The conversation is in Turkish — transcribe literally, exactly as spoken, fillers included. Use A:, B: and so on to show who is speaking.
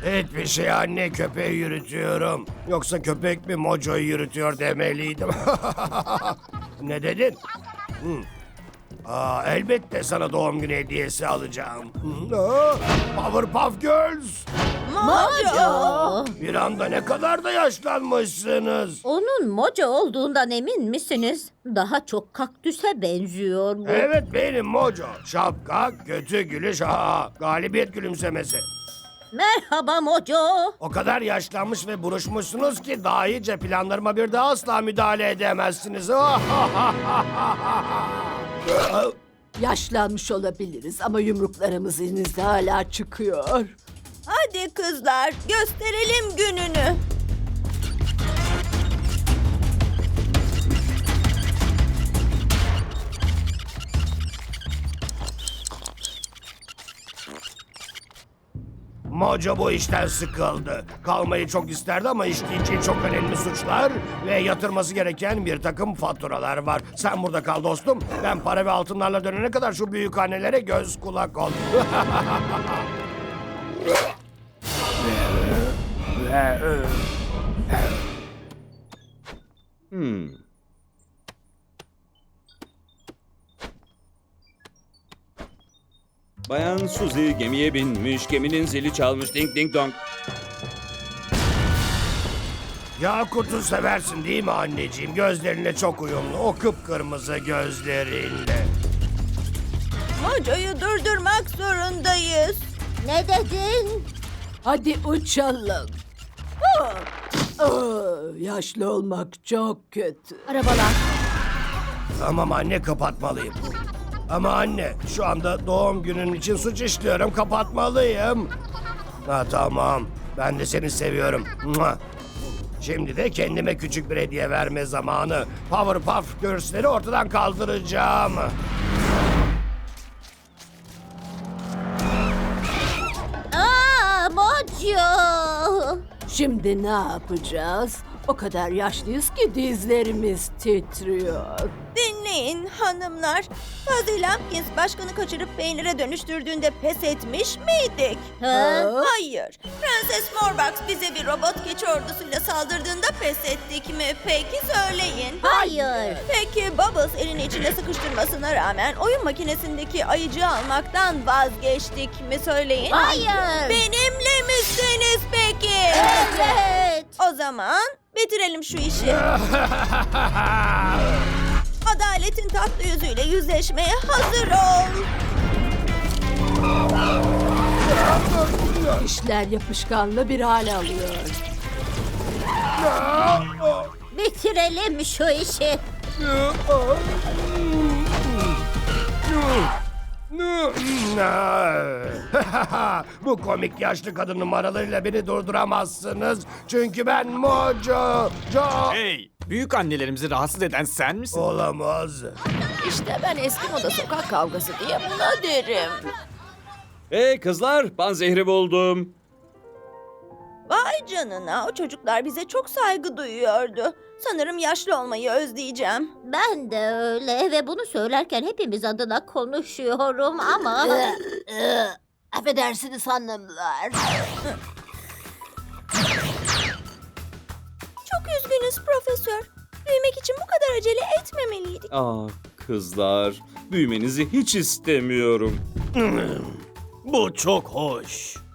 A: Hiçbir şey anne, köpeği yürütüyorum. Yoksa köpek mi Mojo'yu yürütüyor demeliydim. Ne dedin? Hı. Aa, elbette sana doğum günü hediyesi alacağım. Hı. Aa, Powerpuff Girls.
B: Mojo!
A: Bir anda ne kadar da yaşlanmışsınız.
B: Onun Mojo olduğundan emin misiniz? Daha çok kaktüse benziyor bu.
A: Evet benim Mojo. Şapka, kötü gülüş, ha, galibiyet gülümsemesi.
B: Merhaba Mojo.
A: O kadar yaşlanmış ve buruşmuşsunuz ki daha iyice planlarıma bir daha asla müdahale edemezsiniz.
C: Yaşlanmış olabiliriz ama yumruklarımız elinizde hala çıkıyor.
D: Hadi kızlar, gösterelim gününü.
A: Mojo bu işten sıkıldı. Kalmayı çok isterdi ama işleyeceği çok önemli suçlar ve yatırması gereken bir takım faturalar var. Sen burada kal dostum. Ben para ve altınlarla dönene kadar şu büyük annelere göz kulak ol.
E: Hmm. Bayan Suzy gemiye binmiş, geminin zili çalmış, ding ding dong.
A: Yakut'u seversin değil mi anneciğim? Gözlerine çok uyumlu. O kıpkırmızı gözlerinle.
D: Mojo'yu durdurmak zorundayız.
B: Ne dedin?
C: Hadi uçalım. Ah! Ah, yaşlı olmak çok kötü.
B: Arabalar.
A: Tamam anne, kapatmalıyım. Ama anne, şu anda doğum günün için suç işliyorum, kapatmalıyım. Ha tamam, ben de seni seviyorum. Mua. Şimdi de kendime küçük bir hediye verme zamanı. Powerpuff Girls'leri ortadan kaldıracağım.
B: Aa, Mojo.
C: Şimdi ne yapacağız? O kadar yaşlıyız ki dizlerimiz titriyor.
D: Dinleyin hanımlar. Fuzzy Lumpkins başkanı kaçırıp peynire dönüştürdüğünde pes etmiş miydik?
B: Ha?
C: Aa,
D: Hayır. Prenses Morbox bize bir robot keçi ordusuyla saldırdığında pes ettik mi? Peki söyleyin.
B: Hayır.
D: Peki Bubbles elini içine sıkıştırmasına rağmen oyun makinesindeki ayıcığı almaktan vazgeçtik mi? Söyleyin.
B: Hayır.
D: Benimle misiniz peki?
B: Evet.
D: O zaman bitirelim şu işi. Adaletin tatlı yüzüyle yüzleşmeye hazır ol.
C: İşler yapışkanlı bir hal alıyor.
B: Bitirelim şu işi.
A: Bu komik yaşlı kadın numaralarıyla beni durduramazsınız. Çünkü ben Mojo. Jo.
F: Hey, büyük annelerimizi rahatsız eden sen misin?
A: Olamaz.
C: İşte ben eski moda sokak kavgası diye buna derim.
E: Hey kızlar, panzehri buldum.
D: Vay canına, o çocuklar bize çok saygı duyuyordu. Sanırım yaşlı olmayı özleyeceğim.
B: Ben de öyle ve bunu söylerken hepimiz adına konuşuyorum ama...
C: Affedersiniz hanımlar.
D: Çok üzgünüz profesör. Büyümek için bu kadar acele etmemeliydik.
E: Aa kızlar, büyümenizi hiç istemiyorum.
F: Bu çok hoş.